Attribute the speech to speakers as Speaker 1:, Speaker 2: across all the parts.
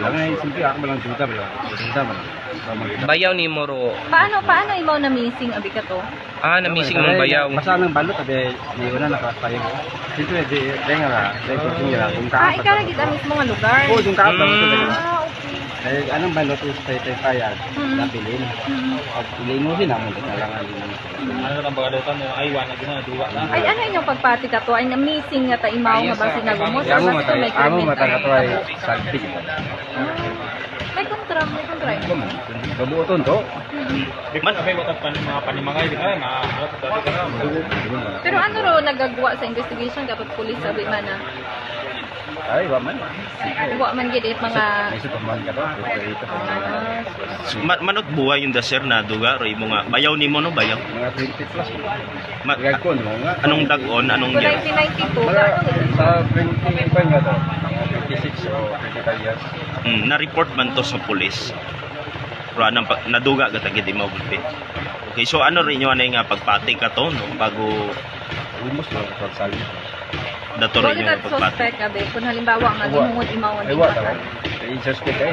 Speaker 1: Ay, simple ako lang juta ba lang. Juta ba lang.
Speaker 2: Bayaw ni Moro.
Speaker 3: Paano imaw na missing abi ka to?
Speaker 2: Na missing mong bayaw.
Speaker 1: Basta nang balot abe ni una nakapayo. Simple di denga la, dai ko tingira kung
Speaker 3: Ah,
Speaker 1: ka.
Speaker 3: ikaw lagi ta mismo nga lugar.
Speaker 1: Oo, yung ka ba ito dai.
Speaker 3: Ah, okay.
Speaker 1: Dai anong balot is tay payag. Nabilin. Pag linguhin naman kita lang ali.
Speaker 4: Ano lang bagadutan mo ay wala gina duwa na.
Speaker 3: Ay, ano inyong pagpati ka to? Ay, na missing nga ta imaw nga bang sinagumot? Or basta may
Speaker 1: Amo
Speaker 3: krimen
Speaker 1: mata ka to ay
Speaker 3: ka?
Speaker 1: sagpi.
Speaker 3: May kontra.
Speaker 1: Kabuoton to.
Speaker 4: Di man abay watak mga panimangay di ay maalat dati ka na.
Speaker 3: Pero ano ro nagagawa sa investigation kapag pulis sabi man na?
Speaker 1: Ay, wa man.
Speaker 3: Wa man gid mga
Speaker 1: May superman ka to. Dito.
Speaker 2: Manot buhay yung daser na duga roy mo nga bayaw ni mo no bayaw.
Speaker 1: Mga 20 plus.
Speaker 2: Ma-
Speaker 1: Gagkon mo nga.
Speaker 2: anong dagon anong
Speaker 3: Kung
Speaker 2: year?
Speaker 3: 1992,
Speaker 1: Mga
Speaker 3: ano
Speaker 1: sa 25 nga to. 26 o 25 years.
Speaker 2: Na-report man to sa pulis. Pero anong naduga ka tagid di mabulpit. Okay, so ano rin yung nga pagpati ka to no bago
Speaker 1: Almost lang sa sali.
Speaker 2: dato
Speaker 3: Wala
Speaker 2: rin
Speaker 3: ka
Speaker 2: yung pagpati.
Speaker 3: suspect abe kung halimbawa nga gihungod imawan
Speaker 1: Ay,
Speaker 3: din
Speaker 1: wa
Speaker 3: ka.
Speaker 1: ta. Ay, suspect ay.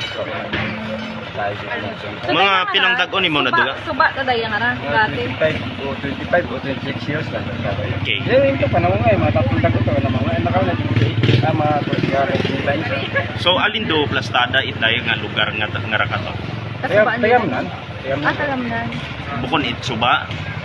Speaker 3: So,
Speaker 2: Mga
Speaker 3: kaya
Speaker 2: pilang
Speaker 3: nga,
Speaker 2: dagon imo naduga?
Speaker 3: Suba ta dayan nga ra dati.
Speaker 1: 25 o 26 years lang.
Speaker 2: Okay.
Speaker 1: Eh, ito pa naman nga, mga tatlong dagot to. Mga nakaw na dito. Mga tuligara.
Speaker 2: So alin do plastada itay nga lugar nga nga ra ka to.
Speaker 3: Kasubaan
Speaker 1: Tayam
Speaker 3: nila.
Speaker 1: nan.
Speaker 3: Ah, tagamnan.
Speaker 2: Bukon itsuba.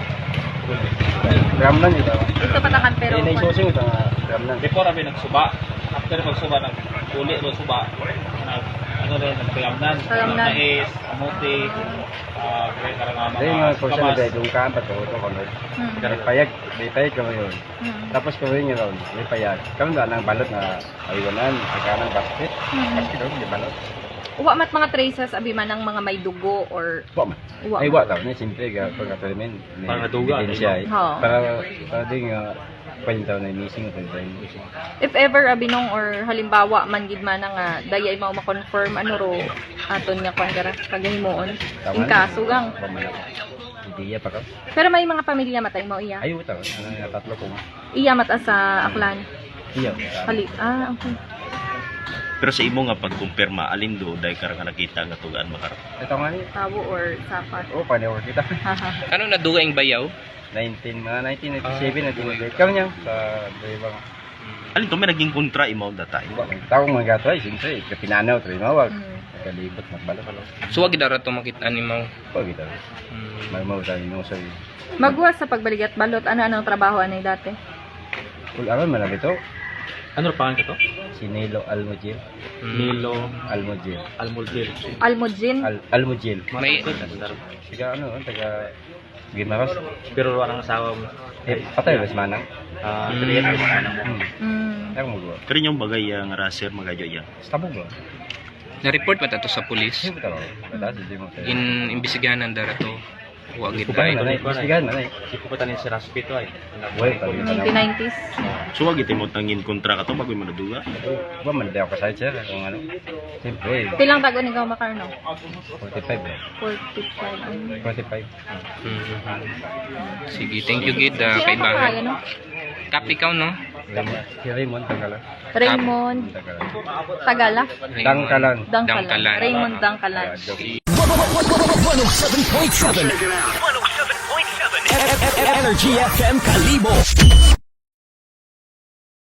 Speaker 1: Tayam nan ito.
Speaker 3: Ito patakan pero
Speaker 1: Ay, naisusing ito nga. Tayam nan.
Speaker 4: Before abi nagsuba, after pagsuba nag uli do suba. Ano rin nagpayamnan.
Speaker 3: Payamnan.
Speaker 4: Nais, amote, kaya karang
Speaker 1: Dahil mga kursa na dahil yung kaan pa ito. Ito kami. May payag. May payag kami yun. Tapos kami nga ron. May payag. Kami nga nang balot na ayunan. Pagkanang basket. Basket daw, may balot.
Speaker 3: Uwa mat mga traces abi man ng mga may dugo or
Speaker 1: Wa man.
Speaker 3: uwa.
Speaker 1: Ay, wa tao. Siyempre, pagkatalimin.
Speaker 4: Para duga,
Speaker 1: Siya.
Speaker 3: Oo.
Speaker 1: Para din nga. Palintaw na missing ito.
Speaker 3: If ever abinong or halimbawa man gid man nga dayay mao ma-confirm ano ro aton nga kwan gara paghimuon. In kaso gang.
Speaker 1: Hindi pa ka.
Speaker 3: Pero may mga pamilya matay mo iya.
Speaker 1: Ay, tao. Tatlo ko.
Speaker 3: Iya mata sa Aklan.
Speaker 1: Iya.
Speaker 3: Hali. Ah, okay.
Speaker 2: Pero sa imo nga pagkumpirma alin do dahil ka nga nakita nga tugaan makarap.
Speaker 1: Ito nga niya.
Speaker 3: Tawo or sapat.
Speaker 1: Oo, panewer kita.
Speaker 3: Haha.
Speaker 2: Ano naduga yung bayaw?
Speaker 1: 1997 na tinigay. Kami niya sa Bayabang.
Speaker 2: Alin to may naging kontra imaw datay.
Speaker 1: Taong mga gato ay siyempre. Kapinanaw, ito mawag. Nakalibot, magbalo.
Speaker 2: So wag dara to makita ni mo.
Speaker 1: Pag ito. Marmaw tayo nung sa'yo.
Speaker 3: Magwa sa pagbalik at balot ano trabaho anay dati?
Speaker 1: Kung alam mo na ito,
Speaker 4: Ano pangalan ka to?
Speaker 1: si Nilo Almojil.
Speaker 4: Nilo
Speaker 1: Almojil.
Speaker 4: Almulgil.
Speaker 3: Almudjin.
Speaker 1: Almojil.
Speaker 2: May
Speaker 1: Siga ano, taga Gimaras.
Speaker 4: Pero walang asawa mo.
Speaker 1: Eh, patay ba si Manang?
Speaker 4: Triyet mo ano mo.
Speaker 1: Ayaw mo ba?
Speaker 2: pero yung bagay nga raser magayo yan.
Speaker 1: Stabog ba?
Speaker 5: Na-report ba to sa pulis?
Speaker 1: Hindi ba ito? Mataas, hindi mo sa'yo.
Speaker 5: Imbestigahan ng dara to. Huwag
Speaker 1: Kupa
Speaker 5: itay.
Speaker 1: na, istigahan na.
Speaker 4: Si puputanin si Raspito ay.
Speaker 1: Wait, tabi ka na.
Speaker 3: 1990s.
Speaker 2: So wag iti mo tangin kontra ka to bago mo naduga.
Speaker 1: Ba, man ako kasahit siya. Kung ano. Siyempre,
Speaker 3: Pilang tago ni Gaw Macarno?
Speaker 1: 45 ba?
Speaker 3: 45.
Speaker 1: 45.
Speaker 5: Sige, thank you Gid,
Speaker 3: Si ano pa
Speaker 5: kaibahan.
Speaker 3: no?
Speaker 5: Kap ikaw, no?
Speaker 1: Si Raymond, Tangkalan.
Speaker 3: Raymond
Speaker 1: Tangkalan.
Speaker 3: Tagala.
Speaker 1: Dangkalan.
Speaker 3: Dangkalan.
Speaker 5: Dangkalan.
Speaker 3: Raymond Dangkalan.
Speaker 6: 107.7 Energy FM Kalibo.